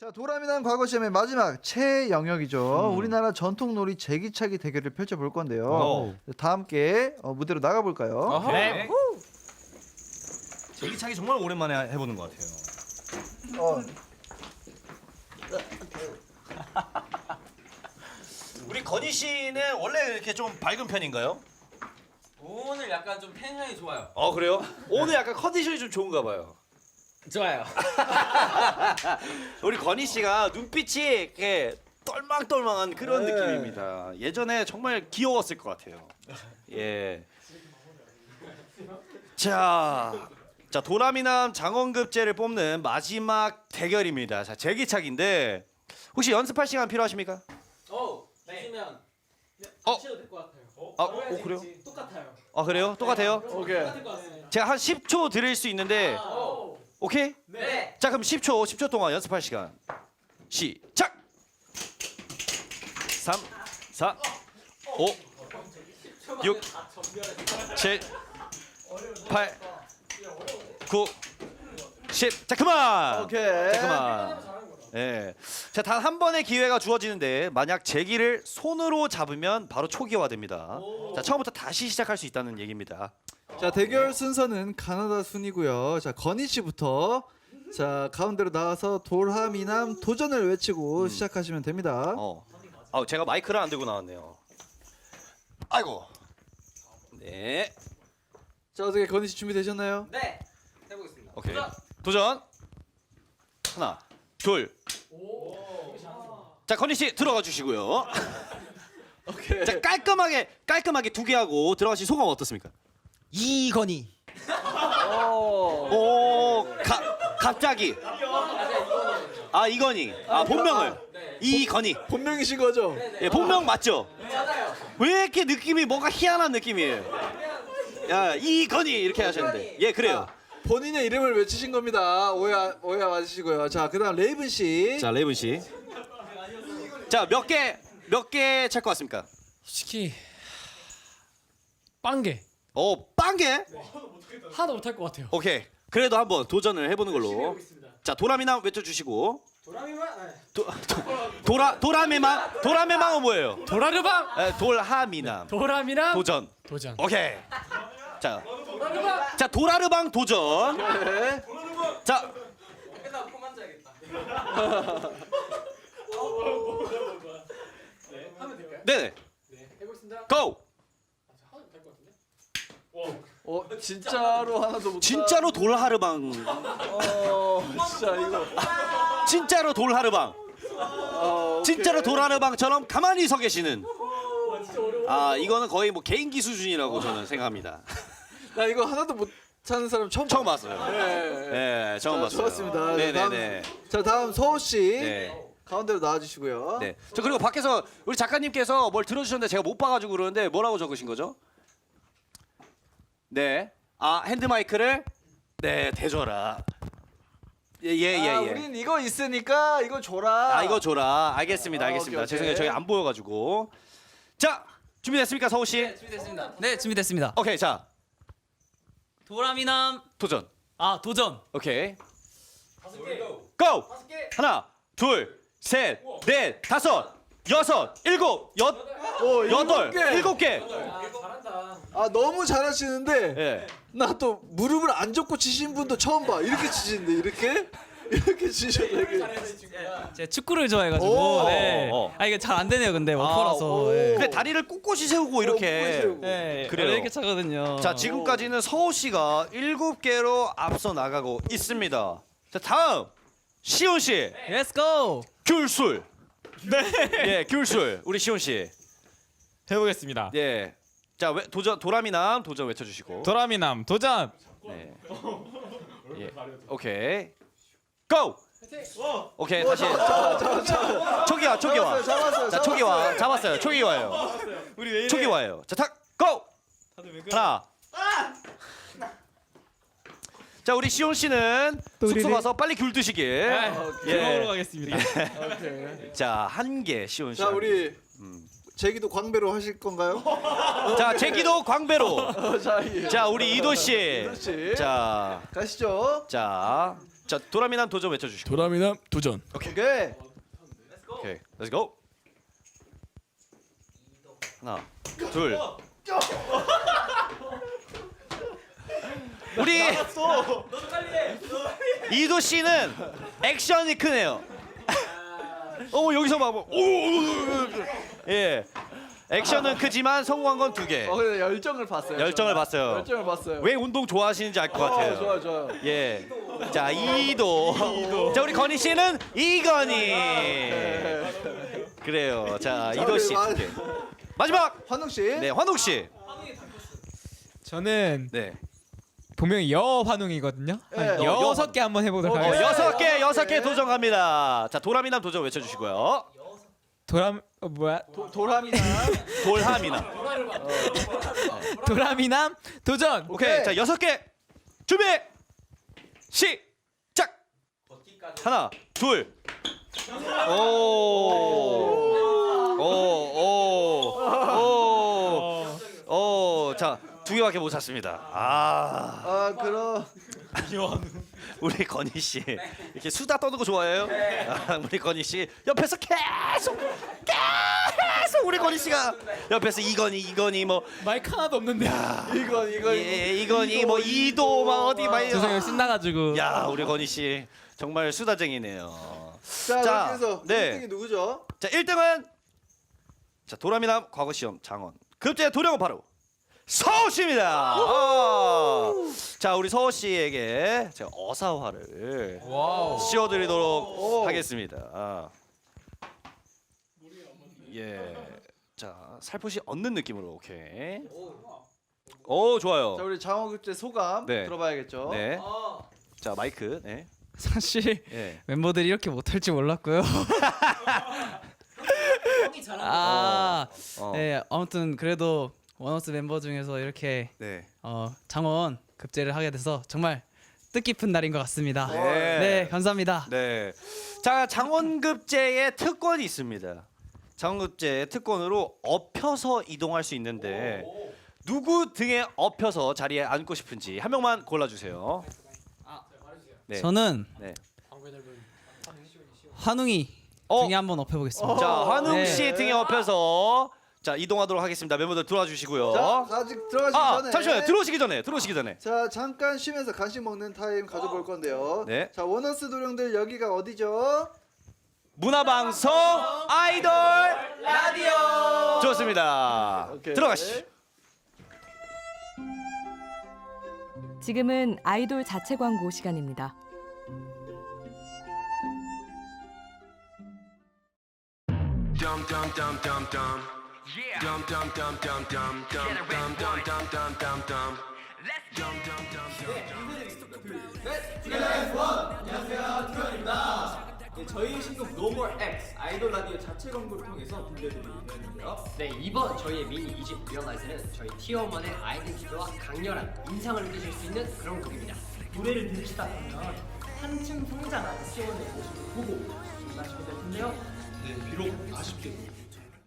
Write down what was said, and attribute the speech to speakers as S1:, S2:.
S1: 자, 도라미난 과거 시험의 마지막 최영역이죠. 우리나라 전통놀이 제기차기 대결을 펼쳐볼 건데요. 다 함께 무대로 나가볼까요?
S2: 네. 제기차기 정말 오랜만에 해보는 것 같아요. 우리 건희 씨는 원래 이렇게 좀 밝은 편인가요?
S3: 오늘 약간 좀 텐션이 좋아요.
S2: 그래요? 오늘 약간 컨디션이 좀 좋은가 봐요.
S3: 좋아요.
S2: 우리 건희 씨가 눈빛이 이렇게 똘망똘망한 그런 느낌입니다. 예전에 정말 귀여웠을 것 같아요. 예. 자, 도라미남 장원급제를 뽑는 마지막 대결입니다. 자, 제기차기인데 혹시 연습할 시간 필요하십니까?
S3: 주시면
S2: 어?
S3: 치셔도 될 것 같아요.
S2: 그래요?
S3: 똑같아요.
S2: 그래요? 똑같아요?
S1: 오케이.
S3: 똑같을 것 같습니다.
S2: 제가 한 10초 드릴 수 있는데 오케이?
S3: 네.
S2: 자, 그럼 10초 동안 연습할 시간 시작! 3, 4, 5, 6, 7, 8, 9, 10. 자, 그만!
S1: 오케이.
S2: 자, 그만. 예. 자, 단 한 번의 기회가 주어지는데 만약 제기를 손으로 잡으면 바로 초기화됩니다. 자, 처음부터 다시 시작할 수 있다는 얘기입니다.
S1: 자, 대결 순서는 가나다 순이고요. 자, 건희 씨부터 자, 가운데로 나와서 도라미남 도전을 외치고 시작하시면 됩니다.
S2: 제가 마이크를 안 들고 나왔네요. 아이고. 네.
S1: 자, 어떻게 건희 씨 준비되셨나요?
S3: 네. 해보겠습니다.
S2: 오케이. 도전. 하나, 둘. 자, 건희 씨 들어가 주시고요.
S1: 오케이.
S2: 자, 깔끔하게 두 개 하고 들어가신 소감 어떻습니까?
S3: 이건희.
S2: 갑자기. 이건희. 본명을. 이건희.
S1: 본명이신 거죠?
S2: 예, 본명 맞죠?
S3: 맞아요.
S2: 왜 이렇게 느낌이 뭔가 희한한 느낌이에요? 야, 이건희 이렇게 하셨는데. 예, 그래요.
S1: 본인의 이름을 외치신 겁니다. 오해 마시고요. 자, 그다음 레이븐 씨.
S2: 자, 레이븐 씨. 자, 몇 개 찰 것 같습니까?
S4: 솔직히 빵개
S2: 빵개?
S4: 하나도 못할 것 같아요.
S2: 오케이. 그래도 한번 도전을 해보는 걸로. 자, 도라미남 외쳐주시고. 도라미망은 뭐예요?
S4: 도라르방
S2: 돌하미남.
S4: 도라미랑
S2: 도전.
S4: 도전.
S2: 오케이. 자, 도라르방 도전.
S1: 네.
S2: 자,
S3: 끝나고 폼 만져야겠다. 하면 될까요?
S2: 네네.
S3: 네. 해보겠습니다.
S2: 고!
S3: 하면 될 것 같은데?
S1: 진짜로 하나도 못.
S2: 진짜로 돌하르방.
S1: 진짜 이거.
S2: 진짜로 돌하르방. 진짜로 돌하르방처럼 가만히 서 계시는. 이거는 거의 뭐 개인기 수준이라고 저는 생각합니다.
S1: 나 이거 하나도 못 찾는 사람 처음
S2: 봤어요. 네, 처음 봤어요.
S1: 좋았습니다.
S2: 네네네.
S1: 다음 서호 씨.
S2: 네.
S1: 가운데로 나와주시고요.
S2: 네. 저 그리고 밖에서 우리 작가님께서 뭘 들어주셨는데 제가 못 봐가지고 그러는데 뭐라고 적으신 거죠? 네. 핸드 마이크를 대줘라. 예.
S1: 우린 이거 있으니까 이거 줘라.
S2: 이거 줘라. 알겠습니다.
S1: 오케이.
S2: 죄송해요. 저희 안 보여가지고. 자, 준비됐습니까, 서우 씨?
S3: 준비됐습니다. 네, 준비됐습니다.
S2: 오케이, 자,
S3: 도라미남.
S2: 도전.
S3: 도전.
S2: 오케이.
S3: 5개.
S2: 고!
S3: 5개.
S2: 하나, 둘, 셋, 넷, 다섯, 여섯, 일곱, 여덟, 일곱 개.
S3: 잘한다.
S1: 너무 잘하시는데
S2: 예.
S1: 나 또 무릎을 안 접고 치신 분도 처음 봐. 이렇게 치시는데 이렇게 치셨네.
S5: 제가 축구를 좋아해가지고
S1: 오.
S5: 네. 이게 잘 안 되네요 근데 워커라서 네.
S2: 근데 다리를 꼿꼿이 세우고 이렇게.
S5: 네.
S2: 그래요.
S5: 원래 이렇게 차거든요.
S2: 자, 지금까지는 서호 씨가 7개로 앞서 나가고 있습니다. 자, 다음 시온 씨.
S5: Let's go.
S2: 귤술. 예, 귤술. 우리 시온 씨.
S4: 해보겠습니다.
S2: 예. 자, 도라미남 도전 외쳐주시고.
S4: 도라미남 도전.
S2: 네. 예. 오케이. 고! 오케이, 다시. 초기화.
S1: 잡았어요.
S2: 자, 초기화. 잡았어요. 초기화예요.
S4: 우리 왜 이래?
S2: 초기화예요. 자, 고!
S4: 다들 왜 그래?
S2: 하나. 자, 우리 시온 씨는 숙소 가서 빨리 귤 드시길.
S4: 귤 먹으러 가겠습니다.
S2: 자, 한 개 시온 씨.
S1: 자, 우리 제기도 광배로 하실 건가요?
S2: 자, 제기도 광배로.
S1: 자,
S2: 자, 우리 이도 씨.
S1: 이도 씨.
S2: 자,
S1: 가시죠.
S2: 자, 자 도라미남 도전 외쳐주시고.
S4: 도라미남 도전.
S1: 오케이.
S2: 오케이, let's go. 하나, 둘. 우리 이도 씨는 액션이 크네요. 여기서 봐. 예. 액션은 크지만 성공한 건 2개.
S1: 근데 열정을 봤어요.
S2: 열정을 봤어요.
S1: 열정을 봤어요.
S2: 왜 운동 좋아하시는지 알 것 같아요.
S1: 좋아요.
S2: 예. 자, 이도. 자, 우리 건희 씨는 이건희. 그래요. 자, 이도 씨.
S1: 우리
S2: 2개. 마지막.
S1: 환웅 씨.
S2: 네, 환웅 씨.
S4: 저는
S2: 네.
S4: 분명히 여환웅이거든요.
S1: 네.
S4: 한 6개 한번 해보도록 하겠습니다.
S2: 6개 도전 갑니다. 자, 도라미남 도전 외쳐주시고요.
S1: 도라미남.
S2: 돌하미남.
S4: 도라미남 도전.
S2: 오케이. 자, 6개. 준비. 시작. 하나, 둘. 자, 2개밖에 못 찼습니다.
S1: 그럼
S2: 우리 건희 씨 이렇게 수다 떠는 거 좋아해요? 우리 건희 씨 옆에서 계속 우리 건희 씨가 옆에서 이건희 뭐
S4: 마이크 하나도 없는데.
S2: 이건희 뭐 이도 막 어디 막
S5: 죄송해요 신나가지고.
S2: 야 우리 건희 씨 정말 수다쟁이네요.
S1: 자, 그래서
S2: 네.
S1: 1등이 누구죠?
S2: 자 1등은 자 도라미남 과거 시험 장원 급제 도령은 바로 서호 씨입니다. 자 우리 서호 씨에게 제가 어사화를 씌워드리도록 하겠습니다. 예, 자 살포시 얻는 느낌으로 오케이. 오 좋아요.
S1: 자, 우리 장원급제 소감
S2: 네.
S1: 들어봐야겠죠.
S2: 네. 자 마이크. 네.
S5: 사실
S2: 예.
S5: 멤버들이 이렇게 못할 줄 몰랐고요. 네 아무튼 그래도 원어스 멤버 중에서 이렇게
S2: 네.
S5: 장원 급제를 하게 돼서 정말 뜻깊은 날인 것 같습니다.
S2: 네.
S5: 네 감사합니다.
S2: 네. 자 장원급제의 특권이 있습니다. 장원급제의 특권으로 엎혀서 이동할 수 있는데 누구 등에 엎혀서 자리에 앉고 싶은지 한 명만 골라주세요. 네.
S5: 저는
S2: 네.
S5: 환웅이
S2: 어.
S5: 등에 한번 엎여보겠습니다.
S2: 자 환웅
S5: 네.
S2: 씨 등에 엎혀서 자 이동하도록 하겠습니다. 멤버들 들어와 주시고요.
S1: 자, 아직 들어가시기 전에
S2: 잠시만요. 들어오시기 전에.
S1: 자, 잠깐 쉬면서 간식 먹는 타임 가져볼 건데요.
S2: 네.
S1: 자, 원어스 도령들 여기가 어디죠?
S2: 문화방송 아이돌 라디오. 좋습니다.
S1: 오케이.
S2: 들어가시죠.
S6: 지금은 아이돌 자체 광고 시간입니다.
S7: Dum dum dum dum dum. Yeah. Dum dum dum dum dum dum dum dum dum dum dum dum. Dum dum dum dum.
S8: 네, 저희 신곡 No More X 아이돌 라디오 자체 광고를 통해서 들려드리고 있는데요.
S9: 네, 이번 저희의 미니 2집 리얼라이즈는 저희 티어원의 아이덴티티와 강렬한 인상을 느끼실 수 있는 그런 곡입니다.
S8: 노래를 들으시다 보면 한층 성장한 티어원의 모습을 보고 아쉽게 될 텐데요. 네, 비록 아쉽게도